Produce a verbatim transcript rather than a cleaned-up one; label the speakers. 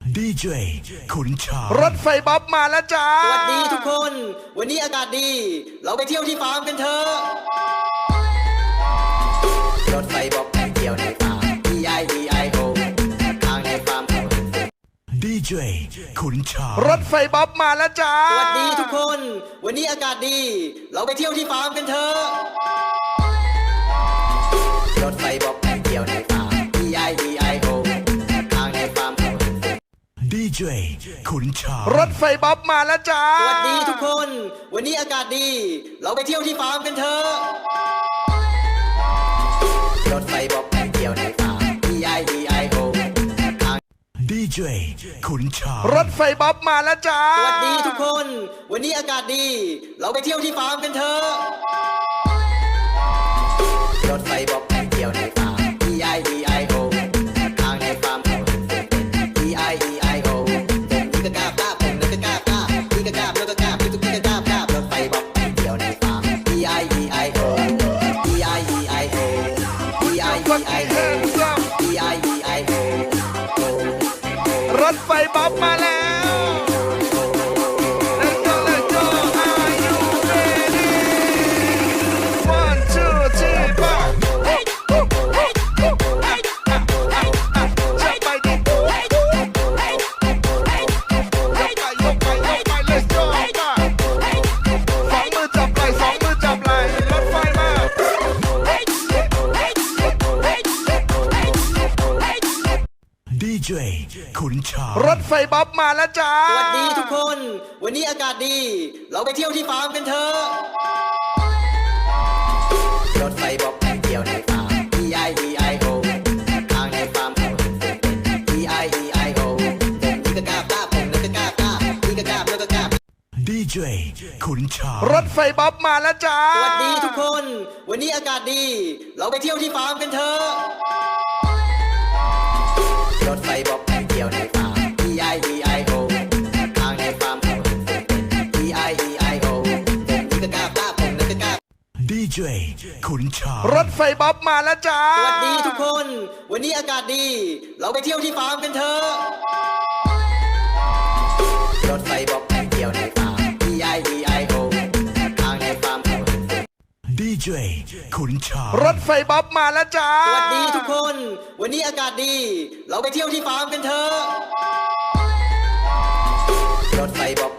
Speaker 1: ดีเจขุนช้าง
Speaker 2: รถไฟบ๊อบมาแล้วจ้าส
Speaker 3: วัสดีทุกคนวันนี้อากาศดีเราไปเที่ยวที่ฟาร์มกันเถอะรถไฟบ๊อบไปเที่ยวในฟาร์ม อี ไอ อี ไอ โอ ทางในฟาร์มเขา
Speaker 1: ดีเจขุนช้าง
Speaker 2: รถไฟบ๊อบมาแล้วจ้า
Speaker 3: สวัสดีทุกคนวันนี้อากาศดีเราไปเที่ยวที่ฟาร์มกันเถอะรถไฟบ๊อบไปเที่ยวในฟาร์ม อี ไอ อี ไอ โอ ทางในฟาร์มเขา
Speaker 1: ดีเจขุนช้าง
Speaker 2: รถไฟบ๊อบมาแล้วจ้า
Speaker 3: สวัสดีทุกคนวันนี้อากาศดีเราไปเที่ยวที่ฟาร์มกันเถอะรถไฟบ๊อบไปเที่ยวในฟาร์ม อี ไอ อี ไอ โอ ทาง
Speaker 1: ดีเจขุนช้าง
Speaker 2: รถไฟบ๊อบมาแล้วจ้า
Speaker 3: สวัสดีทุกคนวันนี้อากาศดีเราไปเที่ยวที่ฟาร์มกันเถอะรถไฟบ๊อบไปเที่ยวในฟาร์ม อี ไอ อี ไอ โอ ทางในฟาร์มเขา อี ไอ อี ไอ โอ ผมนี่ก็กล้ากล้าผมนี่ก็กล้ากล้าพี่ก็กล้าแล้วก็กล้าพี่ทุกพี่ก็กล้ากล้ารถไฟบ๊อบไปเที่ยวในฟาร์ม อี ไอ อี ไอ โอ อี ไอ อี ไอ โอ อี ไอ อี ไอ โอ อี ไอ อี ไอ โอ
Speaker 2: รถไฟบ๊อบมาแล้ว Let's go Let's go Are you ready One two three four จับไปดิยกไปยกไปยกไป Let's go มาสองมือจับไหล่สองมือจับไหล่รถไฟมา
Speaker 1: ดีเจขุนช้าง
Speaker 2: รถไฟบ๊อบมาแล้วจ้า
Speaker 3: สวัสดีทุกคนวันนี้อากาศดีเราไปเที่ยวที่ฟาร์มกันเถอะรถไฟบ๊อบไปเที่ยวในฟาร์ม อี ไอ อี ไอ โอ ทางในฟาร์มเขา อี ไอ อี ไอ โอ ผมนี่ก็กล้ากล้าผมนี่ก็กล้ากล้าพี่ก็กล้าแล้วก็กล้า
Speaker 1: ดีเจขุนช้าง
Speaker 2: รถไฟบ๊อบมาแล้วจ้า
Speaker 3: สวัสดีทุกคนวันนี้อากาศดีเราไปเที่ยวที่ฟาร์มกันเถอะรถไฟบ๊อบไปเที่ยวในฟาร์ม อี ไอ อี ไอ โอ ทางในฟาร์มเขา อี ไอ อี ไอ โอ ผมนี่ก็กล้ากล้าผมนี่ก็กล้า
Speaker 1: ดีเจขุนช้าง
Speaker 2: รถไฟบ๊อบมาแล้วจ้า
Speaker 3: สวัสดีทุกคนวันนี้อากาศดีเราไปเที่ยวที่ฟาร์มกันเถอะรถไฟบ๊อบไปเที่ยวในฟาร์ม อี ไอ อี ไอ โอ ทางในฟาร์มเขา
Speaker 1: ดีเจขุนช้าง
Speaker 2: รถไฟบ๊อบมาแล้วจ้า
Speaker 3: สวัสดีทุกคนวันนี้อากาศดีเราไปเที่ยวที่ฟาร์มกันเถอะรถไฟบ๊อบ